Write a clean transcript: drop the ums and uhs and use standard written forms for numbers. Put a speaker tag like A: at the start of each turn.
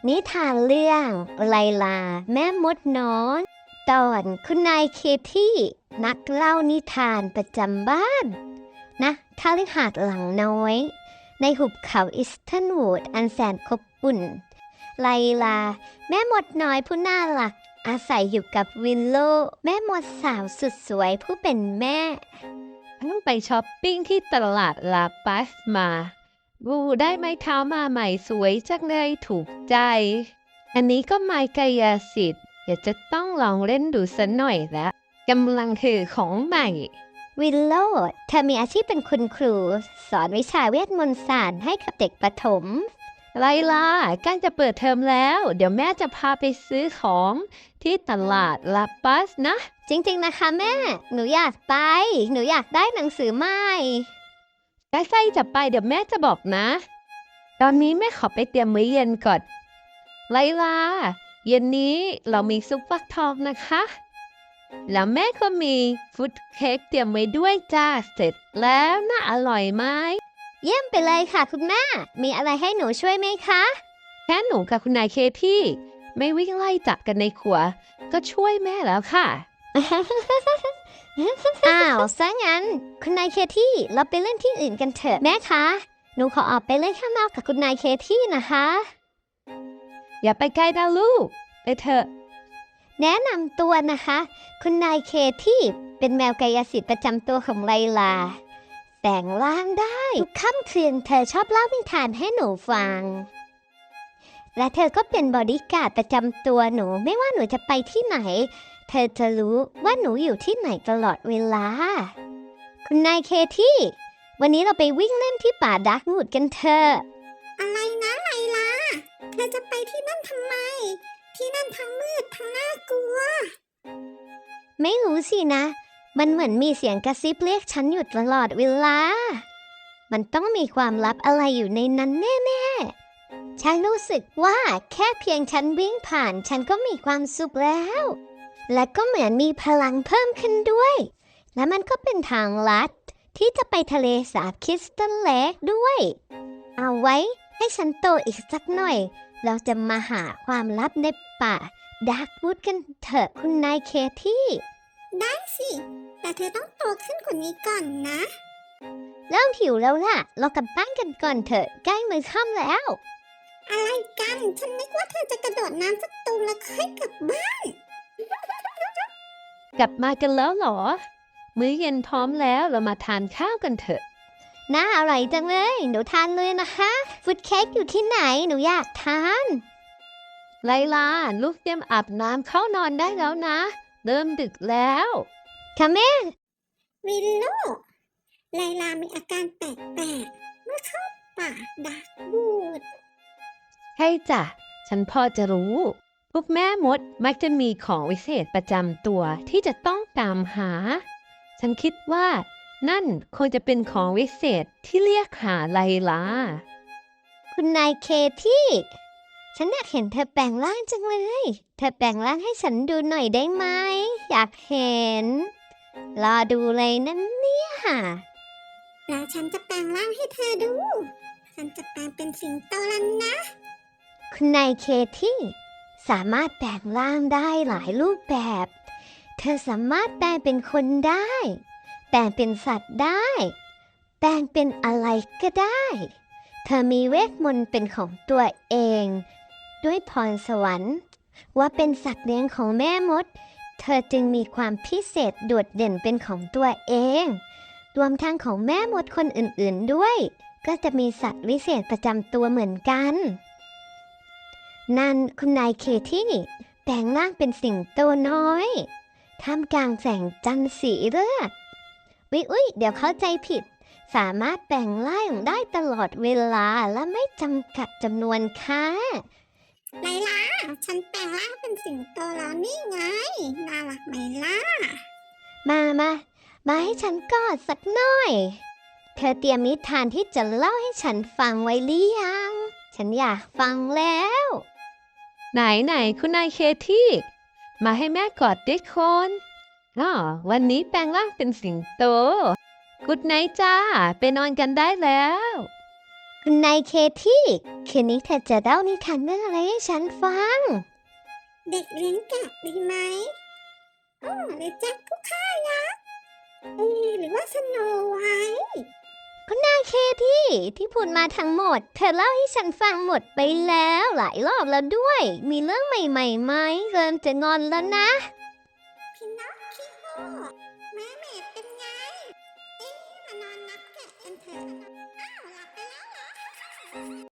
A: นิทานเรื่องไลลาแม่มดน้อยตอนคุณนายเคที่นักเล่านิทานประจำบ้านนะคฤหาสน์หลังน้อยในหุบเขาอิสตันวูดอันแสนอบอุ่นไลลาแม่มดน้อยผู้น่ารักอาศัยอยู่กับวินโลแม่มดสาวสุดสวยผู้เป็นแม่
B: เพิ่งไปช้อปปิ้งที่ตลาดลาปัสมาบูได้ไม้เท้ามาใหม่สวยจังเลยถูกใจ อันนี้ก็ไม้กายสิทธิ์อยากจะต้องลองเล่นดูสักหน่อยละกำลังถือของใหม่
A: วิลโลเธอมีอาชีพเป็นคุณครูสอนวิชาเวทมนต์ศาสตร์ให้กับเด็กประถม
B: ไลลาใกล้จะเปิดเทอมแล้ว เดี๋ยวแม่จะพาไปซื้อของที่ตลาดลาปัสนะ
A: จริงๆนะคะแม่หนูอยากไปหนูอยากได้หนังสือใหม่
B: ใกล้ๆจะไปเดี๋ยวแม่จะบอกนะ ตอนนี้แม่ขอไปเตรียมมื้อเย็นก่อนไลลาเย็นนี้เรามีซุปฟักทองนะคะ แล้วแม่ก็มีฟุตเค้กเตรียมไว้ด้วยจ้าเสร็จแล้วน่าอร่อยไหม
A: เยี่ยมไปเลยค่ะคุณแม่มีอะไรให้หนูช่วยไหมคะ
B: แค่หนูกับคุณนายเคที่ไม่วิ่งไล่จับกันในครัวก็ช่วยแม่แล้วค่ะ
A: อ้าวซะงั้นคุณนายเคที่เราไปเล่นที่อื่นกันเถอะแม่คะหนูขอออกไปเล่นข้างนอกกับคุณนายเคที่นะคะ
B: อย่าไปไกลนะลูกไปเถอะ
A: แนะนำตัวนะคะ คุณนายเคที่เป็นแมวกายสิทธิ์ประจำตัวของไลลาแต่งร่างได้ทุกค่ำคืนเธอชอบเล่านิทานให้หนูฟังและเธอก็เป็นบอดี้การ์ดประจำตัวหนูไม่ว่าหนูจะไปที่ไหนเธอจะรู้ว่าหนูอยู่ที่ไหนตลอดเวลาคุณนายเคที่วันนี้เราไปวิ่งเล่นที่ป่าดาร์กวูดกันเถอะ
C: อะไรนะไลลาเธอจะไปที่นั่นทำไม ที่นั่นทั้งมืดทั้งน่ากลัว
A: ไม่รู้สินะมันเหมือนมีเสียงกระซิบเรียกฉันอยู่ตลอดเวลามันต้องมีความลับอะไรอยู่ในนั้นแน่ๆฉันรู้สึกว่าแค่เพียงฉันวิ่งผ่านฉันก็มีความสุขแล้วและก็เหมือนมีพลังเพิ่มขึ้นด้วยและมันก็เป็นทางลัดที่จะไปทะเลสาบคริสตัลเลคด้วยเอาไว้ให้ฉันโตอีกสักหน่อยเราจะมาหาความลับในป่าดาร์กวูดกันเถอะคุณนายเคที่
C: ได้สิ แต่เธอต้องโตขึ้นกว่านี้ก่อนนะ
A: เริ่มหิวแล้วล่ะเรากลับบ้านกันก่อนเถอะใกล้มื้อค่ำแล้ว
C: อะไรกัน ฉันนึกว่าเธอจะกระโดดน้ำสักตูมแล้วค่อยกลับบ้าน
B: กลับมากันแล้วเหรอ มื้อเย็นพร้อมแล้วเรามาทานข้าวกันเถอะ
A: น่าอร่อยจังเลยหนูทานเลยนะคะฟุตเค้กอยู่ที่ไหนหนูอยากทาน
B: ไลลาลูกเตรียมอาบน้ำเข้านอนได้แล้วนะ เริ่มดึกแล้ว
A: ค่ะแม่
C: วิลโลไลลามีอาการแปลกๆเมื่อเข้าป่าดาร์กวูด
B: ใช่จ้ะ ฉันพอจะรู้ พวกแม่มดมักจะมีของวิเศษประจำตัวที่จะต้องตามหา ฉันคิดว่านั่นคงจะเป็นของวิเศษที่เรียกหาไลลา
A: คุณนายเคที่ฉันอยากเห็นเธอแปลงร่างจังเลยเธอแปลงร่างให้ฉันดูหน่อยได้ไหมอยากเห็นรอดูเลยนั่นเนี่ย
C: แล้วฉันจะแปลงร่างให้เธอดู ฉันจะแปลงเป็นสิงโตแล้วนะ
A: คุณนายเคที่สามารถแปลงร่างได้หลายรูปแบบ เธอสามารถแปลงเป็นคนได้ แปลงเป็นสัตว์ได้ แปลงเป็นอะไรก็ได้ เธอมีเวทมนต์เป็นของตัวเอง ด้วยพรสวรรค์ว่าเป็นสัตว์เลี้ยงของแม่มด เธอจึงมีความพิเศษโดดเด่นเป็นของตัวเอง รวมทั้งของแม่มดคนอื่นๆด้วย ก็จะมีสัตว์วิเศษประจำตัวเหมือนกัน นั่นคุณนายเคที่แปลงร่างเป็นสิงโตน้อยท่ามกลางแสงจันทร์สีเลือดอุ๊ยเดี๋ยวเข้าใจผิด สามารถแปลงร่างได้ตลอดเวลาและไม่จำกัดจำนวนค่ะ
C: ไลลา ฉันแปลงร่างเป็นสิงโตแล้วนี่ไง น่ารักไหมล่ะ
A: มาให้ฉันกอดสักหน่อย เธอเตรียมนิทานที่จะเล่าให้ฉันฟังไว้หรือยัง ฉันอยากฟังแล้ว
B: ไหนคุณนายเคที่มาให้แม่กอดด้วยคนวันนี้แปลงร่างเป็นสิงโตกุดไนท์จ้าไปนอนกันได้แล้ว
A: คุณนายเคที่คืนนี้เธอจะเล่านิทานเรื่องอะไรให้ฉันฟัง
C: เด็กเลี้ยงแกะดีไหมหรือแจ็คผู้ฆ่ายักษ์หรือว่าสโนไวท์
A: คุณนายเคที่พูดมาทั้งหมด เธอเล่าให้ฉันฟังหมดไปแล้วหลายรอบแล้วด้วย มีเรื่องใหม่ๆไหมเริ่มจะงอนแล้วนะ
C: พินอคคิโอแม่เมดเป็นไง มานอนนับแกะกันเถอะอ้าวหลับไปแล้วเหรอ